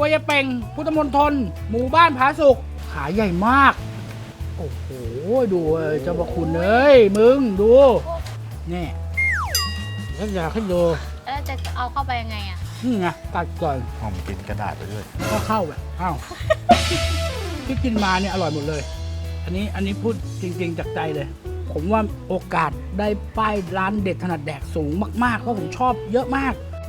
รัวยายเป่งพุทธมณฑลหมู่บ้านผาสุกขายใหญ่มากโอ้โหดูเจ้าพระคุณเอ้ยมึงดูนี่ฉันอยากให้ดูแล้วจะเอาเข้าไปยังไงอ่ะนี่ไงตัดก่อนหอมกินกระดาษไปด้วยก็เข้าแบบอ้าว ที่กินมาเนี่ยอร่อยหมดเลย อันนี้พูดจริงๆจากใจเลย ผมว่าโอกาสได้ป้ายร้านเด็ดถนัดแดกสูงมากๆเพราะผมชอบเยอะมาก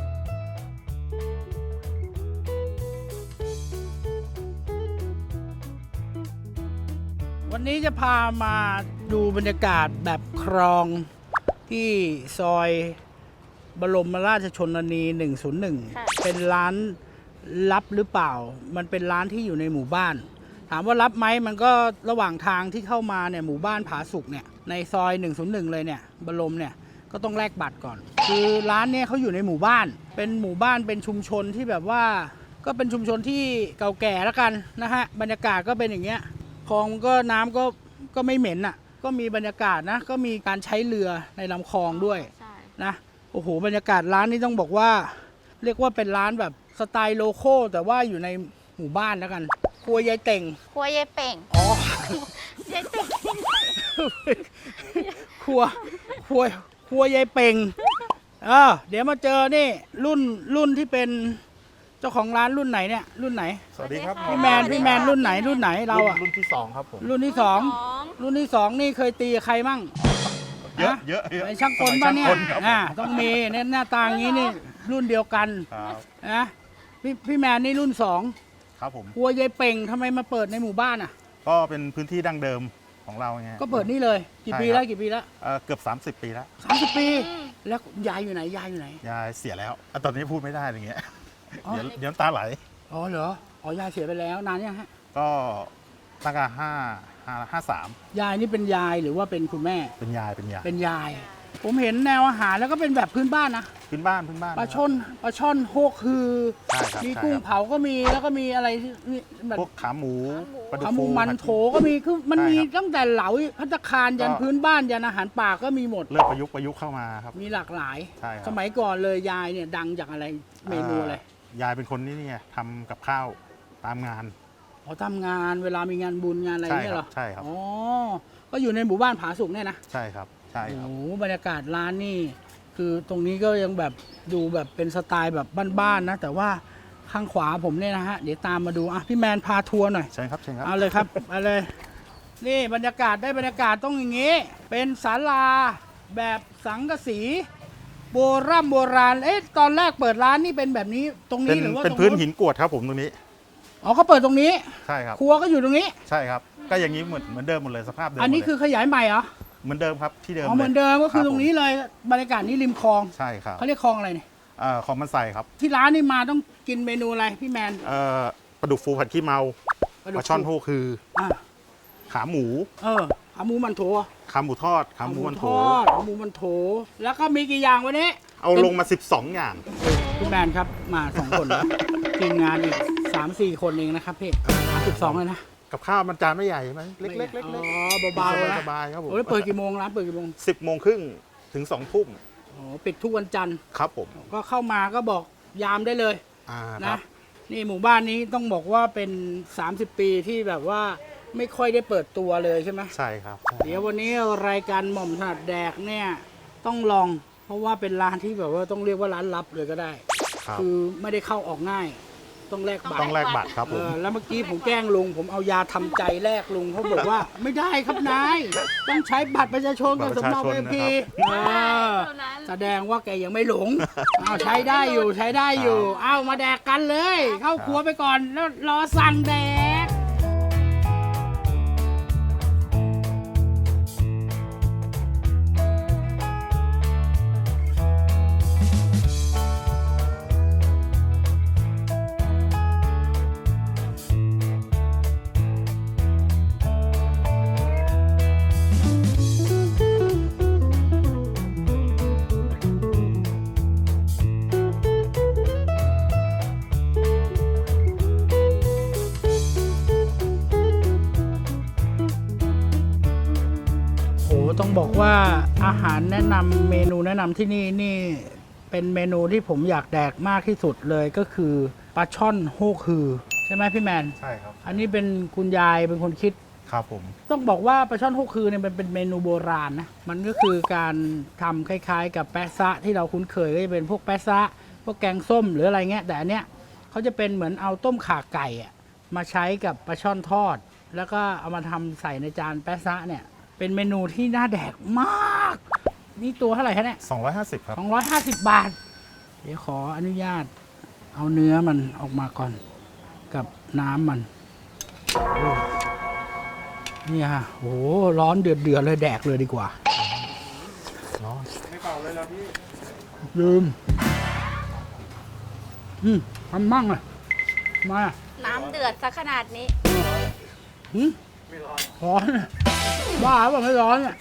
วันนี้จะพามาดูบรรยากาศแบบครองที่ซอยบรมราชชนนี 101 เป็นร้านลับหรือเปล่า มันเป็นร้านที่อยู่ในหมู่บ้าน ถามว่ารับไหมมันก็ระหว่างทางที่เข้ามาเนี่ยหมู่บ้านผาสุกเนี่ยในซอย 101 เลยเนี่ยบรมเนี่ยก็ต้องแลกบัตรก่อน คือร้านเนี่ยเขาอยู่ในหมู่บ้าน เป็นหมู่บ้านเป็นชุมชนที่แบบว่าก็เป็นชุมชนที่เก่าแก่แล้วกันนะฮะบรรยากาศก็เป็นอย่างเงี้ยคลองก็น้ำก็ไม่เหม็นอ่ะก็มีบรรยากาศนะก็มีการใช้เรือในลำคลองด้วยใช่นะโอ้โหบรรยากาศร้านนี้ต้องบอกว่า เรียกว่าเป็นร้านแบบสไตล์โลคอลแต่ว่าอยู่ในหมู่บ้านแล้วกันครัวยายเต่งครัวยายเป่งอ๋อยายเป่งครัวยายเป่งเดี๋ยวมาเจอนี่รุ่นที่เป็นเจ้าของร้านรุ่นไหนเนี่ยรุ่นไหนสวัสดีครับพี่แมนรุ่นไหนเราอะรุ่นที่ 2 ครับผมรุ่นที่สองนี่เคยตีกับใครมั่งเยอะฮะเยอะไอ้ช่างกลป่ะเนี่ยสมัช่างกลครับต้องมีเนี่ยหน้าตาอย่างนี้นี่รุ่นเดียวกันครับนะพี่แมนนี่รุ่น2 ครับผมครัวยายเป่งทำไมมาเปิดในหมู่บ้านอ่ะก็เป็นพื้นที่ดั้งเดิมของเราไงก็เปิดนี่เลยกี่ใช่ปีครับแล้วกี่ปีแล้วเกือบ 30 ปีแล้ว 30 ปี แล้วยายอยู่ไหนยายอยู่ไหนยายเสียแล้วตอนนี้พูดไม่ได้อย่างเงี้ยอ๋อเดี๋ยวน้ำตาไหลอ๋อเหรออ๋อยายเสียไปแล้วนานยังฮะก็ตั้งแต่53 ยายนี่เป็นยายหรือว่าเป็นคุณแม่เป็นยายเป็นยาย ผมเห็นแนวอาหารแล้วก็เป็นแบบพื้นบ้านนะพื้นบ้านปลาช่อนโฮกคือใช่ครับมีใช่กุ้งครับเผาก็มีแล้วก็มีอะไรที่แบบพวกขาหมูปลาดุกขาหมูฟูมันโถก็มีคือมันใช่มีครับตั้งแต่เหลาภัตตาคารยันก็พื้นบ้านยันอาหารป่าก็มีหมดเริ่มประยุกต์เข้ามาครับมีหลากหลายใช่ครับสมัยก่อนเลยยายเนี่ยดังจากอะไรเมนูอะไรยายเป็นคนนี่ไงทำกับข้าวตามงานอ๋อทำงานเวลามีงานบุญงานอะไรเนี่ยเหรอใช่ครับอ๋อก็อยู่ในหมู่บ้านผาสุกเนี่ยนะใช่ครับใช่ครับโอ้โหบรรยากาศร้านนี่คือตรงนี้ก็ยังแบบดูแบบเป็นสไตล์แบบบ้านๆนะแต่ว่าข้างขวาผมเนี่ยนะฮะเดี๋ยวตามมาดูอ่ะพี่แมนพาทัวร์หน่อยเชิญครับเชิญครับเอาเลยครับเอาเลย นี่บรรยากาศได้บรรยากาศต้องอย่างงี้ เป็นศาลาแบบสังกะสีโบราณตอนแรกเปิดร้านนี่เป็นแบบนี้ตรงเป็นี้นหรือว่าเป็นตรงพื้นหินกรวดครับผมตรงนี้อ๋อเขาเปิดตรงนี้ใช่ครับครัวก็อยู่ตรงนี้ใช่ครับ ก็อย่างนี้เหมือนเดิมหมดเลยสภาพเดิมอันนี้หมดเลยคือขยายใหม่เหรอเหมือนเดิมครับที่เดิมอ๋อเหมือนเดิมก็คือรับตรงนี้เลยบรรยากาศนี้ริมคลองใช่ครับเขาเรียกคลองอะไรเนี่ยของมันใส่ครับที่ร้านนี่มาต้องกินเมนูอะไรพี่แมนปลาดุกฟูผัดขี้เมาปลาช่อนโฮคืออ่ะขาหมูขาหมูมันโถขาหมูทอดขาหมูมันโถขาหมูมันโถแล้วก็มีกี่อย่างวันนี้เอาลงมา 12 อย่างพี่แมนครับมา2 คนนะทีมงานอีก3-4 คนเองนะครับพี่12เลยนะกับข้าวมันจานไม่ใหญ่ไหมเล็กๆอ๋เล็กอเบาๆนะสบายๆครับผมโอ้ยเปิดกี่โมงร้านเปิดกี่โมง 10 โมงครึ่งถึง 2 ทุ่มอ๋อปิดทุกวันจันทร์ครับผมก็เข้ามาก็บอกยามได้เลยคนะรับนี่หมู่บ้านนี้ต้องบอกว่าเป็น30 ปีที่แบบว่าไม่ค่อยได้เปิดตัวเลยใช่ไหมใช่ครับเดี๋ยววันนี้รายการหม่อมถนัดแดกเนี่ยต้องลอง เพราะว่าเป็นร้านที่แบบว่าต้องเรียกว่าร้านลับเลยก็ได้ครับคือไม่ได้เข้าออกง่าย ต้องแลกบัตต้รองแลกบัตรครับผมแล้วเมื่อกี้ผมแกล้งลุงผมเอายาทำใจแลกลุงเขาบอกว่า ไม่ได้ครับนายต้องใช้บัตรประชาชนกับสำเนาเอพีแสดงว่าแกยังไม่หลงเอาใช้ได้อยู่เอามาแดกกันเลย เข้าครัวไปก่อนแล้วรอสั่งแดก ต้องบอกว่าอาหารแนะนำเมนูแนะนำที่นี่เป็นเมนูที่ผมอยากแดกมากที่สุดเลยก็คือปลาช่อนโฮคือใช่ไหมพี่แมนใช่ครับอันนี้เป็นคุณยายเป็นคนคิดครับผมต้องบอกว่าปลาช่อนโฮคือเนี่ยมันเป็นเมนูโบราณนะ มันก็คือการทำคล้ายๆ กับแปะซะที่เราคุ้นเคยก็จะเป็นพวกแปะซะพวกแกงส้มหรืออะไรเงี้ย แต่อันเนี้ยเขาจะเป็นเหมือนเอาต้มข่าไก่อะมาใช้กับปลาช่อนทอด แล้วก็เอามาทำใส่ในจานแปะซะเนี่ย เป็นเมนูที่น่าแดกมาก นี่ตัวเท่าไหร่คะเนี่ย 250 ครับ 250 บาท เดี๋ยวขออนุญาตเอาเนื้อมันออกมาก่อนกับน้ำมันโอ้นี่ฮะโอ้โหร้อนเดือดเลยแดกเลยดีกว่าร้อนลืมทำมั่งเลยมาน้ำเดือดซะขนาดนี้ไม่ร้อนร้อนอะบ้าเปล่าไม่ร้อนอ่ะ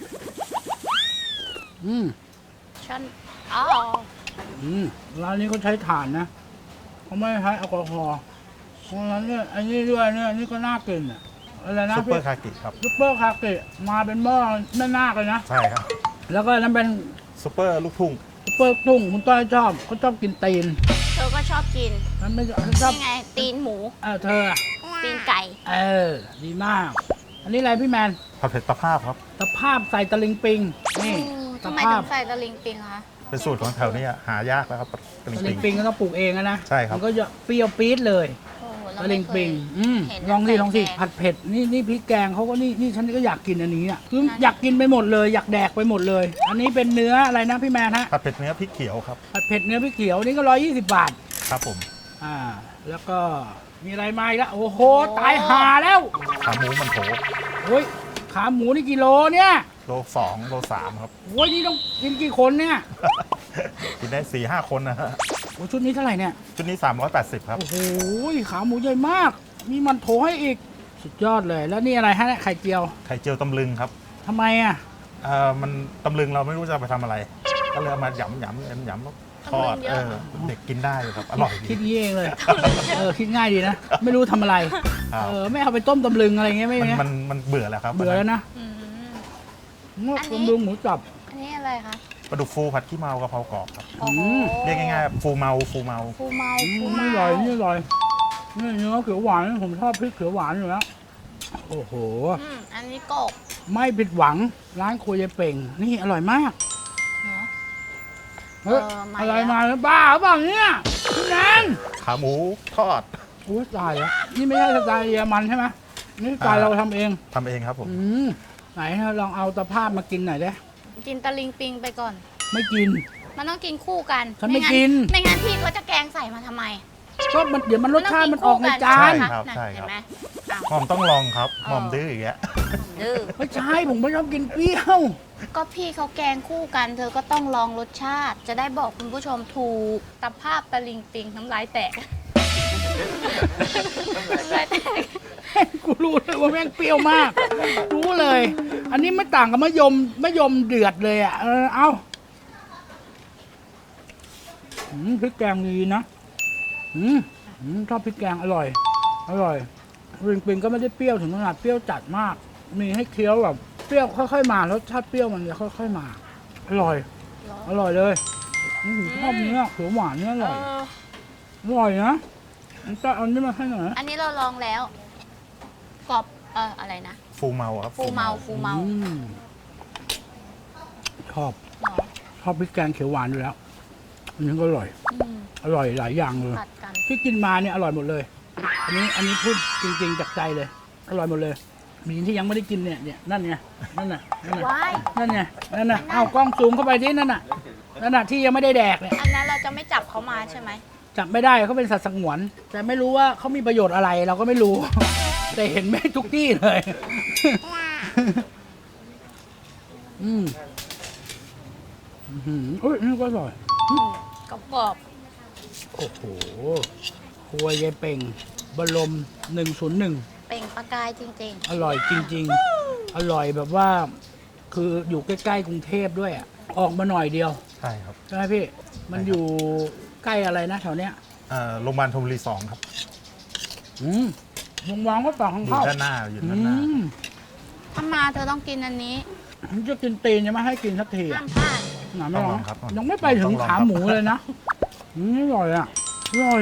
ช่อนอ๋อร้านนี้เขาใช้ถ่านนะเขาไม่ใช้แอลกอฮอล์เพราะฉะนั้นเนี่ยอันนี้ด้วยเนี่ยอันนี้ก็น่ากินอ่ะอะไรนะซุปเปอร์คากิครับซุปเปอร์คาเกะมาเป็นหม้อแม่นาคเลยนะใช่ครับแล้วก็อันนั้นเป็นซุปเปอร์ลูกทุ่งซุปเปอร์ตุ้งคุณต้อยชอบเขาชอบกินตีนเธอก็ชอบกินมันไม่ชอบนี่ไง ตีนหมูเธออะตีนไก่ดีมาก อันนี้อะไรพี่แมนผัดเผ็ดปลาภาพครับตะภาพใส่ตะลิงปิงนี่ทำไมภาถึพงใส่ตะลิงปิงคะเป็นสูตรของแถวนี้หายากแล้วครับตะลิงตะลิปิงงปิงก็ต้องปลูกเองนะใช่ครับมันก็จะเปรี้ยวปี๊ดเลยโอ้โหเราตะลิไม่งเคปิยงเห็นลองสิใส่ลองสิแกงผัดเผ็ดนี่พริกแกงเขาก็นี่ฉันก็อยากกินอันนี้อ่ะคืออยากกินไปหมดเลย อยากแดกไปหมดเลย อันนี้เป็นเนื้ออะไรนะพี่แมนฮะผัดเผ็ดเนื้อพริกเขียวครับผัดเผ็ดเนื้อพริกเขียวนี่ก็120 บาทครับผมแล้วก็มีอะไรมาอีกแล้วโอ้โหตายห่าแล้วขาหมูมันโถโอ้ยขาหมูนี่กิโลเนี่ยโล 2 โล 3 ครับโอ้ยนี่ต้องกินกี่คนเนี่ยกินได้ 4-5 คนนะฮะโอ้ชุดนี้เท่าไหร่เนี่ยชุดนี้ 380 ครับโอ้โหขาหมูใหญ่มาก มีมันโถให้อีก สุดยอดเลย แล้วนี่อะไรฮะเนี่ยไข่เจียวไข่เจียวตำลึงครับทำไมอ่ะมันตำลึงเราไม่รู้จะเอาไปทำอะไร ก็เลยเอามาหยำทอดเด็กกินได้ครับ อร่อยคิดดีงี้เองเลย คิดง่ายดีนะ ไม่รู้ทำอะไรครับไม่เอาไปต้มตำลึงอะไรเงี้ยไม่มันเงี้ยมันเบื่อแล้วครับเบื่อแล้วนะอืมงตำลึงหมูจับอันนี้อะไรคะปลาดุกฟูผัดขี้เมากะเพรากรอบครับโอ้โหเรียกง่ายๆฟูเมาฟูเมาฟูนี่เมาอร่อยนี่อร่อยนี่เนื้อเขียวหวานผมชอบพริกเขียวหวานอยู่แล้วโอ้โหอันนี้กบไม่ผิดหวังร้านครัวยายเป่ง นี่อร่อยมากเนาะเฮ้ยมาอะไรแล้วมาแล้วบ้าหรือเปล่าเนี่ยพี่แนนขาหมูทอดโอ้ยตายแล้วนี่ไม่ใช่สไตล์เยอรมันใช่ไหมนี่สไตล์เราทำเองทำเองครับผมไหนลองเอาตะภาพมากินหน่อยได้กินตะลิงปิงไปก่อนไม่กินมันต้องกินคู่กันฉันไม่กินไม่งั้นพี่ก็จะแกงใส่มาทำไมก็มันเดี๋ยวมันรสชาติมันออกในจาใช่นครับน่ะใช่คเห็รับนไหมอ้าวหม่อมต้องลองครับอ๋อหม่อมดื้ออย่างเงี้ยดื้อไม่ใช่ผมไม่ชอบกินเปรี้ยวก็พี่เขาแกงคู่กัน เธอก็ต้องลองรสชาติ จะได้บอกคุณผู้ชมถูกตะภาพตะลิงปิงน้ำลายแตกน้ำลายแตกกูรู้เลยว่าแม่งเปรี้ยวมาก รู้เลย อันนี้ไม่ต่างกับมะยมเดือดเลยอ่ะเอาพริกแกงดีนะชอบพริกแกงอร่อยริงปิงก็ไม่ได้เปรี้ยวถึงขนาดเปรี้ยวจัดมาก มีให้เคี้ยวแบบเปรี้ยวค่อยๆมารสชาติเปรี้ยวมันจะค่อยๆมา อร่อยเลยชอบเนื้อเขียวหวานเนี่ยอร่อยนะจะเอานี่มาให้หน่อยนะอันนี้เราลองแล้วกรอบอะไรนะฟูเมาครับฟูเมาชอบพริกแกงเขียวหวานอยู่แล้วอันนี้ก็อร่อยหลายอย่างเลยผัดกันที่กินมาเนี่ยอร่อยหมดเลย อันนี้พูดจริงๆจากใจเลย อร่อยหมดเลย มีที่ยังไม่ได้กินเนี่ยนั่นไงนั่นน่ะว้ายนั่นไงนั่นน่ะเอากล้องซูมเข้าไปที่นั่นน่ะที่ยังไม่ได้แดกเนี่ยอันนั้นเราจะไม่จับเขามาใช่ไหมจับไม่ได้เขาเป็นสัตว์สงวน แต่ไม่รู้ว่าเขามีประโยชน์อะไรเราก็ไม่รู้ แต่เห็นแม่ทุกที่เลยเอ้ยนี่ก็อร่อยกรอบโอ้โหครัวยายเป่งบรม101 ๆเปล่งประกายจริงอร่อยจริงๆ อร่อยแบบว่า คืออยู่ใกล้ๆกรุงเทพด้วยอ่ะ ออกมาหน่อยเดียวใช่ครับใช่ไหมพี่ มันอยู่ใกล้อะไรนะแถวเนี้ยโรงพยาบาลธนบุรี2ครับวงวางก็ฝั่งข้างอยู่เข้าด้านหน้าอยู่ด้านหน้าๆ ถ้ามาเธอต้องกินอันนี้ผมจะกินตีนยังไม่ให้กินสักทีอ่ะห้ามพลาดหนาไม่ต้องลลออง งครับยังไม่ไปถึงต้องลองขาครับหมูเลยนะอร่อยอ่ะอร่อย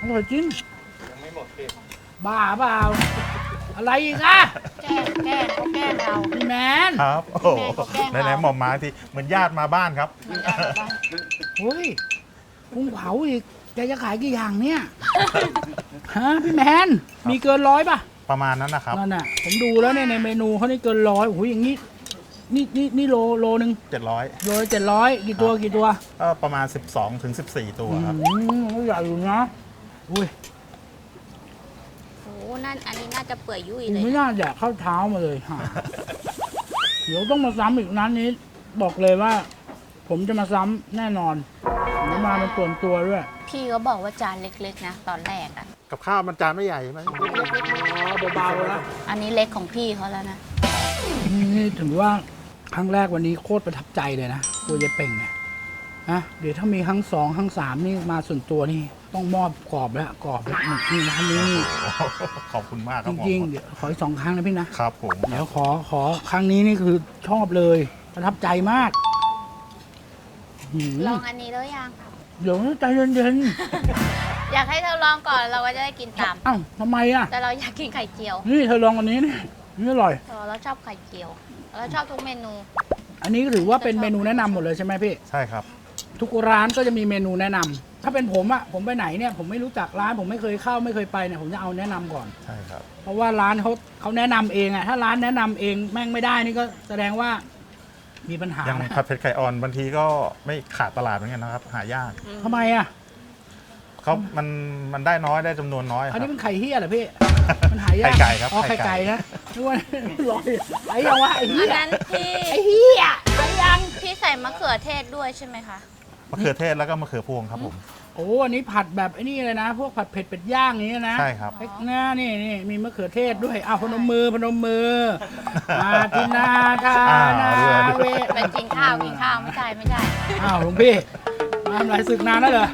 อร่อยจริงยังไม่หมดพี่บ้าเปล่า อะไรอีกอะแกล้งเขาแกล้งเราพี่แมนครับ โอ้โหแม่ก็แกล้งเราไหนๆหมอมมาทีเหมือนญาติมาบ้านครับมันได้แบบว่าเฮ้ยกุ้งเผาอีกแกจะขายกี่อย่างเนี่ย ฮะพี่แมน มีเกิน100ป่ะประมาณนั้นนะครับนั่นน่ะ ผมดูแล้วเนี่ยในเมนูเขานี่เกิน100โอ้โหอย่างนี้ นี่โลนึง 700 โลละ700กี่ตัวกี่ตัวก็ประมาณ 12 ถึง 14 ตัวครับใหญ่อยู่นะอุ้ยโอ้นั่นอันนี้น่าจะเปื่อยยุ่ยกูเลยไม่น่าแดกข้าวเท้ามาเลยฮะเดี๋ยวต้องมาซ้ำอีกร้านนี้ บอกเลยว่า ผมจะมาซ้ำแน่นอนผมมาเป็นส่วนตัวด้วยพี่เขาบอกว่าจานเล็กๆนะตอนแรกอ่ะกับข้าวมันจานไม่ใหญ่ใช่ไหมเบาๆแล้วอันนี้เล็กของพี่เขาแล้วนะนี่ถือว่าครั้งแรกวันนี้โคตรประทับใจเลยนะตัวยายเป่งเนี่ยนะเดี๋ยวถ้ามีครั้ง2ครั้ง3นี่มาส่วนตัวนี่ต้องมอบกรอบแล้วกรอบแล้วนี่ร้านนี้นี่ขอบคุณมากคจรับผมริงๆเดี๋ยวขออีก2ครั้งนะพี่นะครับผมเดี๋ยวขอครั้งนี้นี่คือชอบเลยประทับใจมากหืมลองอันนี้แล้วยังเดี๋ยวใจเย็นอยากให้เธอลองก่อนเราก็จะได้กินตามๆอ้าวทำไมอ่ะแต่เราอยากกินไข่เจียวนี่เธอลองอันนี้นี่นี่อร่อยเราชอบไข่เจียว เราชอบทุกเมนูอันนี้ก็ถือว่าเป็นเมนูแนะนำหมดเลยใช่ไหมพี่ใช่ครับทุกร้านก็จะมีเมนูแนะนำถ้าเป็นผมอะผมไปไหนเนี่ยผมไม่รู้จักร้านผมไม่เคยเข้าไม่เคยไปเนี่ยผมจะเอาแนะนำก่อนใช่ครับเพราะว่าร้านเขาแนะนำเองอะถ้าร้านแนะนำเองแม่งไม่ได้นี่ก็แสดงว่ามีปัญหายังนะผัดเผ็ดไข่อ่อนบางทีก็ไม่ขาดตลาดเหมือนกันนะครับ หายากทำไมอะเขามันได้น้อยได้จำนวนน้อยคอันรับนี้เป็นไข่เฮียเหรอพี่มันหายากไข่ไก่ครับอ๋อไข่ไข่ไก่ไก่นะนึกว่าลอยไอ้ยังวะไอ้เฮีอันยนั้นพี่ไอ้เฮียไอ้ยังพี่ใส่มะเขือเทศด้วยใช่ไหมคะมะเขือเทศแล้วก็มะเขือพวงครับผมโอ้อันนี้ผัดแบบไอ้นี่เลยนะ พวกผัดเผ็ดเป็ดย่างอย่างนี้นะใช่ครับเล็กหน้านี่มีมะเขือเทศด้วยอ้าวพนมมือมาทินาทานาเวไปกินข้าวไม่ใช่อ้าวหลวงพี่มาทำไรศึกนานแล้วเหรอ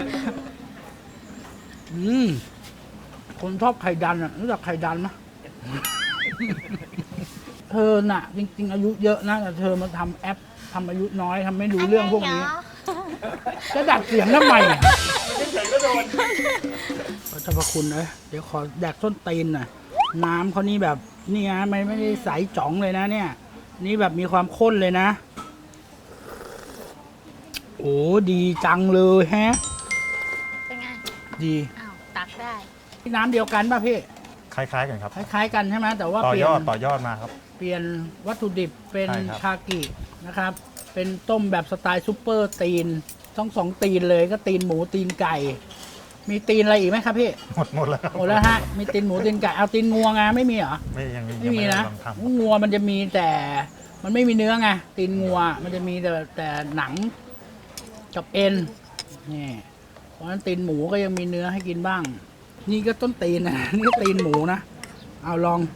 คนชอบไข่ดันอ่ะรู้จักไข่ดันไหมเธอน่ะ จริง ๆ อายุเยอะนะแต่เธอมาทำแอปทำอายุน้อยทำไม่รู้เรื่องพวกนี้ จะดัดเสียงทำไมเนี่ยพระเจ้าพระคุณเลยเดี๋ยวขอแดกส้นตีนหน่อยน้ำเขานี่แบบนี่ฮะไม่ได้ใสจ่องเลยนะเนี่ย นี่แบบมีความข้นเลยนะ โอ้ดีจังเลยแฮะเป็นไงดีอ้าวตักได้พี่น้ำเดียวกันป่ะพี่คล้ายๆกันครับคล้ายๆกันใช่ไหมแต่ว่าต่อเปลี่ยยอดนต่อยอดมาครับเปลี่ยนวัตถุดิบเป็นใช่ครับคากินะครับ เป็นต้มแบบสไตล์ซุปเปอร์ตีนต้อง2ตีนเลยก็ตีนหมูตีนไก่ มีตีนอะไรอีกไหมครับพี่หมดแล้วหมดแล้วฮะ มีตีนหมูตีนไก่ เอาตีนงัวไงไม่มีเหรอ ไม่มียังนะด้ลองทำงัวมันจะมีแต่มันไม่มีเนื้อไง ตีนงัว มันจะมีแต่หนังกับเอ็น นี่ เพราะฉะนั้นตีนหมูก็ยังมีเนื้อให้กินบ้าง นี่ก็ต้นตีนนะ นี่ก็ตีนหมูนะ เอาลอง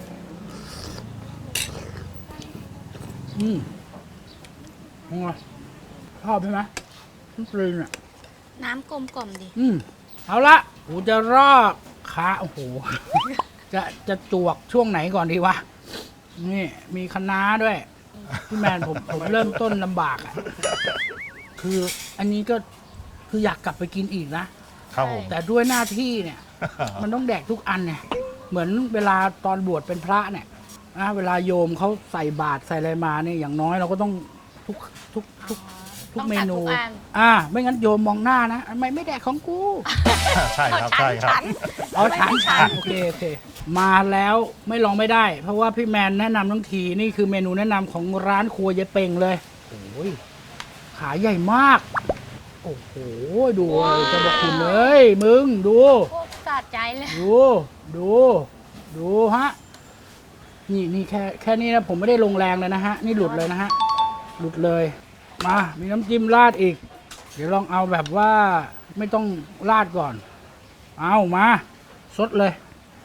งัวชอบใช่ไหมต้นตีนอ่ะน้ำกลมๆดิเอาละกูจะรอกขาโอ้โห จะจวกช่วงไหนก่อนดีวะ นี่ มีคะน้าด้วย พี่แมนผมเริ่มต้นลำบากอ่ะ คืออันนี้ก็คืออยากกลับไปกินอีกนะครับผมแต่ด้วยหน้าที่เนี่ย มันต้องแดกทุกอันเนี่ย เหมือนเวลาตอนบวชเป็นพระเนี่ยนะเวลาโยมเขาใส่บาตรใส่อะไรมาเนี่ยอย่างน้อยเราก็ต้องทุกเมนูต้องทานทุกอันไม่งั้นโยมมองหน้านะทำไมไม่แดกของกูใช่ครับใช่ครับเอาฉันโอเค มาแล้วไม่ลองไม่ได้ เพราะว่าพี่แมนแนะนำทั้งทีนี่คือเมนูแนะนำของร้านครัวยายเป่งเลยโอ้ยขาใหญ่มาก โอ้โหดูเลยจะบอกคุณเลยมึงดูโคตรสะใจเลยดูฮะนี่แค่นี้นะผมไม่ได้ลงแรงเลยนะฮะนี่หลุดเลยนะฮะหลุดเลยมามีน้ำจิ้มราดอีก เดี๋ยวลองเอาแบบว่าไม่ต้องราดก่อน เอามาสดเลย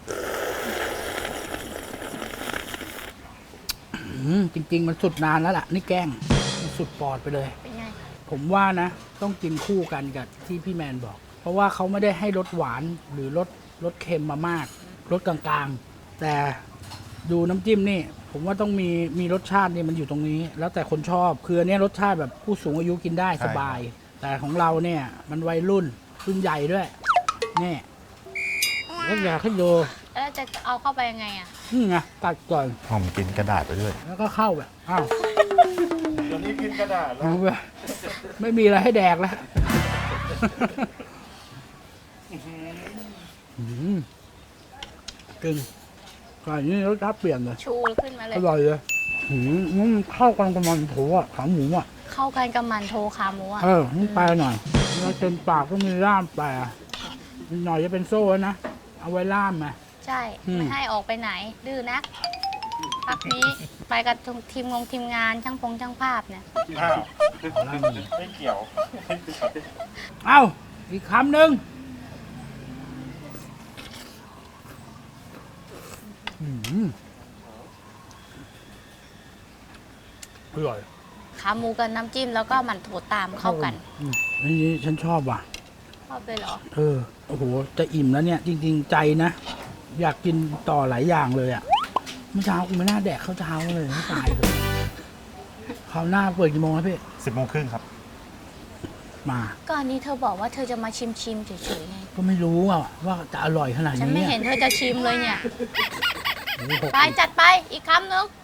จริงๆมันสุดนานแล้วล่ะนี่แกล้งมันสุดปอดไปเลยเป็นไงผมว่านะต้องกินคู่กันกับที่พี่แมนบอก เพราะว่าเขาไม่ได้ให้รสหวานหรือรสเค็มมามากรสกลางๆ แต่ดูน้ำจิ้มนี่ ผมว่าต้องมีรสชาตินี่มันอยู่ตรงนี้ แล้วแต่คนชอบคืออันนี้รสชาติแบบผู้สูงอายุกินได้ใช่สบาย แต่ของเราเนี่ยมันวัยรุ่นใหญ่ด้วยนี่แล้วอยากให้ดูแล้วจะเอาเข้าไปยังไงอ่ะนี่ไงตัดก่อนผมกินกระดาษไปด้วยแล้วก็เข้าแบบอ้าวเดี๋ยวนี้กินกระดาษแล้วเอาไปไม่มีอะไรให้แดกแล้วกึ่งก่อนนี้รสชาติเปลี่ยนเลยชูขึ้นมาเลยอร่อยเลยมันเข้ากันกับมันโถอ่ะขาหมูอ่ะเข้ากันกับมันโทขาหมูอ่ะนี่ปลาหน่อยแล้วเต็มปากก็มีล่ามปลานิดหน่อยจะเป็นโซ่นะ เอาไว้ล่ามมาใช่อืมไม่ให้ออกไปไหน ดื้อนักพักนี้ไปกับทีมงานช่างภาพเนี่ยอ้าวไม่เกี่ยวเอ้า อีกคำหนึ่งอร่อยขาหมูกับน้ำจิ้มแล้วก็มันโถตามเข้ากันอันนี้ฉันชอบว่ะชอบเลยเหรอโอ้โห จะอิ่มแล้วเนี่ย จริง ๆ ใจนะ อยากกินต่อหลายอย่างเลยอ่ะ เมื่อเช้ากูไม่น่าแดกข้าวเช้าเลยไม่ตายเลยคราวหน้าเปิดกี่โมงครับพี่ 10:30 ครับมาก็อันนี้เธอบอกว่าเธอจะมาชิมเฉยๆไงก็ไม่รู้อ่ะว่าจะอร่อยขนาดฉันนี้ไม่เห็นเธอจะชิมเลยเนี่ยโอ้โหไปจัดไปอีกคำนึง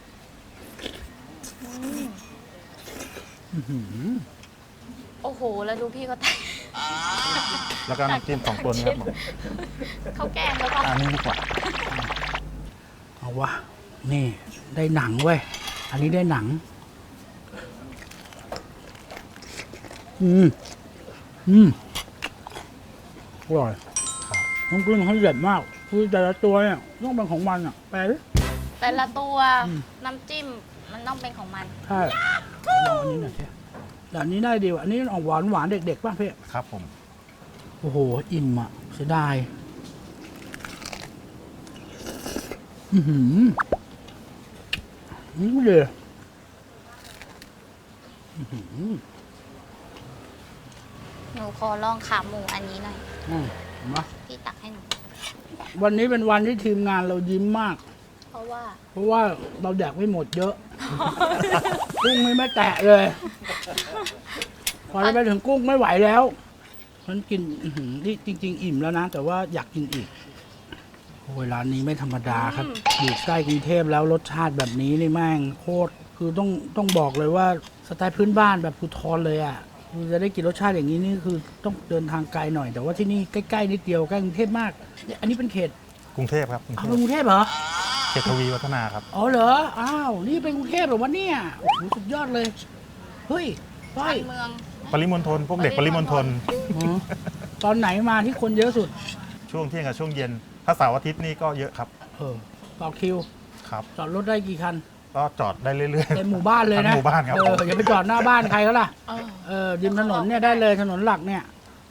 อื้อหือโอ้โห แล้วดูพี่ก็แตกแล้วก็น้ำจิ้ม2 ตัวนี้ครับผมเขาแกล้งแล้วก็อันนี้ดีกว่าเอาวะ นี่ได้หนังเว้ย อันนี้ได้หนัง อร่อยครับน้ำกลิ้งเขาเด็ดมาก คือแต่ละตัวเนี่ยต้องเป็นของมันอ่ะ แปลดิแต่ละตัวน้ำจิ้มมันต้องเป็นของมันใช่ลองอันนี้หน่อยสิแต่อันนี้ได้ดีว่ะอันนี้ออกหวานหวานเด็กๆป่ะพี่ครับผมโอ้โห อิ่มอ่ะเสียดายนี่เลยหนูขอลองขาหมูอันนี้หน่อยมาพี่ตักให้หนูวันนี้เป็นวันที่ทีมงานเรายิ้มมากเพราะว่าเพราะว่าเราแดกไม่หมดเยอะ กุ้งไม่แตะเลย พอเราไปถึงกุ้งไม่ไหวแล้วมันกินที่จริง ๆ อิ่มแล้วนะ แต่ว่าอยากกินอีกโอ้ยร้านนี้ไม่ธรรมดาครับอยู่ใกล้กรุงเทพแล้วรสชาติแบบนี้นี่แม่งโคตรคือต้องบอกเลยว่าสไตล์พื้นบ้านแบบภูทรเลยอ่ะคือจะได้กินรสชาติอย่างนี้นี่คือต้องเดินทางไกลหน่อย แต่ว่าที่นี่ใกล้ๆนิดเดียวใกล้กรุงเทพมากเนี่ยอันนี้เป็นเขตกรุงเทพครับกรุงเอาเทเป็นพกรุงเทพเหรอเขตทวีวัฒนาครับอ๋อเหรอ อ้าว นี่เป็นกรุงเทพเหรอวะเนี่ย โอ้โห สุดยอดเลย เฮ้ยไปชานเมืองปริมณฑลพวกเด็กปริมณฑลตอนไหนมาที่คนเยอะสุดช่วงเที่ยงกับช่วงเย็น ถ้าเสาร์อาทิตย์นี่ก็เยอะครับต่อคิวครับจอดรถได้กี่คันก็จอดได้เรื่อยๆเต็มหมู่บ้านเลยนะทั้งหมู่บ้านครับอย่าไปจอดหน้าบ้านใครเขาล่ะเออริมถนนเนี่ยได้เลยถนนหลักเนี่ย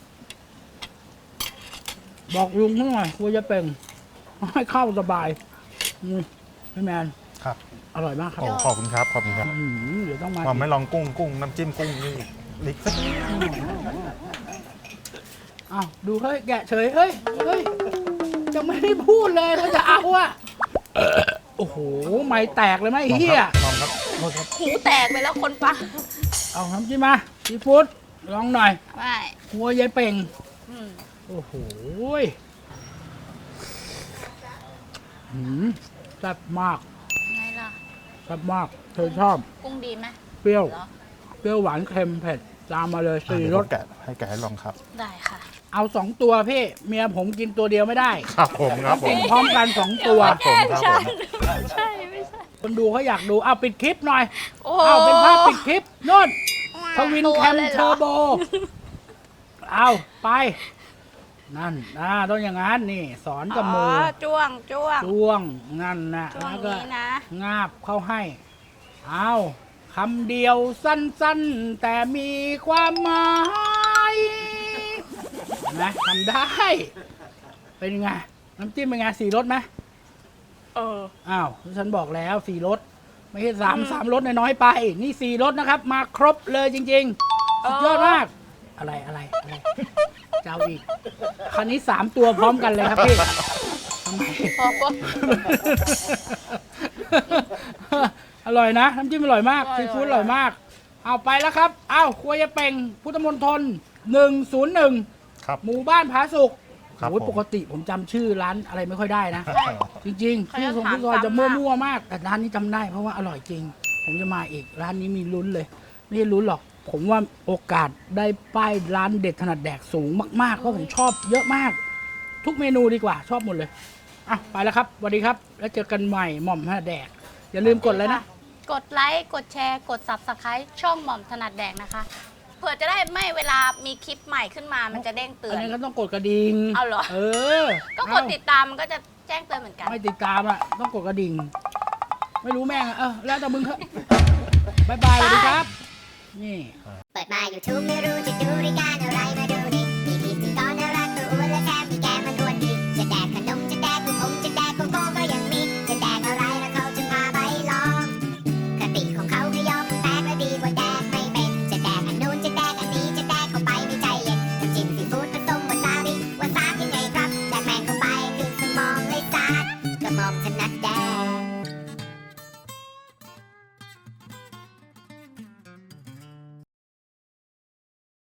บอกลุงเขาหน่อยกลัวจะเป็นให้เข้าสบายพี่แมนครับอร่อยมากครับโอ้ขอบคุณครับขอบคุณครับเดี๋ยวต้องมาผมไม่ลองกุ้งน้ำจิ้มกุ้งนี่นิกอ้าวดูเฮ้ยแกะเฉยเฮ้ยจะไม่ได้พูดเลยว่าจะเอาอะโอ้โหไม่แตกเลยไหมไอ้เฮียลองครับโทษครับหูแตกไปแล้วคนฟังเอาน้ำจิ้มมาซีฟู้ดลองหน่อยไม่หัวยายเป่งอืมโอ้โหแซ่บมากไงล่ะแซ่บมากเธอชอบกุ้งดีไหมเปรี้ยวเหรอเปรี้ยวหวานเค็มเผ็ดตามมาเลยสี่เดี๋ยวรผสมแกะให้ลองครับได้ค่ะเอา2 ตัวพี่ เมียผมกินตัวเดียวไม่ได้ครับผมครับผกิมนพร้อมกัน2 ตัวครับผมครับผมใช่ไม่ใช่คนดูเขาอยากดูเอาปิดคลิปหน่อยโอ้เอาเป็นภาพปิดคลิปนู่นทวินตัวแคมเลยเหรอเทอร์โบ เอาไป นั่นต้องอย่างนั้นนี่ สอนกับมือจ้วงจ้วงนั่นนะจ้วงแล้วก็นี้นะงาบเข้าให้ เอาคำเดียวสั้นๆ แต่มีความหมายนะทำได้ เป็นไง น้ำจิ้มเป็นไง4 รสไหม อ้าวฉันบอกแล้ว4 รสไม่ใช่3 รสน้อยๆไป นี่4 รสนะครับ มาครบเลยจริงๆ สุดยอดมาก อะไรเจ้าอีก คันนี้3 ตัวพร้อมกันเลยครับพี่ทำไมพอปุ๊บอร่อยนะ น้ำจิ้มอร่อยมากอร่อยซีฟู้ดอร่อยมาก เอาไปแล้วครับ เอาครัวยายเป่งพุทธมณฑล101 ครับหมู่บ้านผาสุกครับโอ้ยผมปกติผมจำชื่อร้านอะไรไม่ค่อยได้นะใช่จริงๆเขาชื่จะอของถามพี่ซอยจะซ้ำมากมั่วๆมาก แต่ร้านนี้จำได้เพราะว่าอร่อยจริง ผมจะมาอีกร้านนี้มีลุ้นเลย ไม่ใช่ลุ้นหรอก ผมว่าโอกาสได้ป้ายร้านเด็ดถนัดแดกสูงมากๆเพราะผมชอบเยอะมาก ทุกเมนูดีกว่าชอบหมดเลยอ่ะไปแล้วครับสวัสดีครับ แล้วเจอกันใหม่หม่อมถนัดแดก อย่าลืมกดเลยนะกดไลค์กดแชร์กด Subscribe ช่องหม่อมถนัดแดกนะคะเผื่อจะได้ไม่เวลามีคลิปใหม่ขึ้นมามันจะเด้งเตือัอน นนี้ก็ต้องกดกระดิ่งเอาเหรอเออก็กดติดตามมันก็จะแจ้งเตือนเหมือนกันไม่ติดตามอ่ะต้องกดกระดิ่ง ไม่รู้แม่งอะแล้วแต่มึงเถอะบายบายสวัสดีครับ นี่เปิดมา YouTube ไม่รู้จะดูรายการอะไรมาดูดิมีพิธีกรน่ารักตัวอ้วนและแถมมีแก้มมันอ้วนดีจะแดกขนมจะแดกลูกอมจะแดกโกโก้ก็ยังมีจะแดกอะไรแล้วเขาจะพาไปลองคติของเขาคือยอมแตกและดีกว่าแดกไม่เป็นจะแดกอันนู้นจะแดกอันนี้จะแดกเข้าไปไม่ใจเย็นน้ำจิ้มซีฟู้ดผสมวาซาบิยังไงครับแดกแมงเข้าไปคือสมองเลยซาดกระหม่อมถนัดแด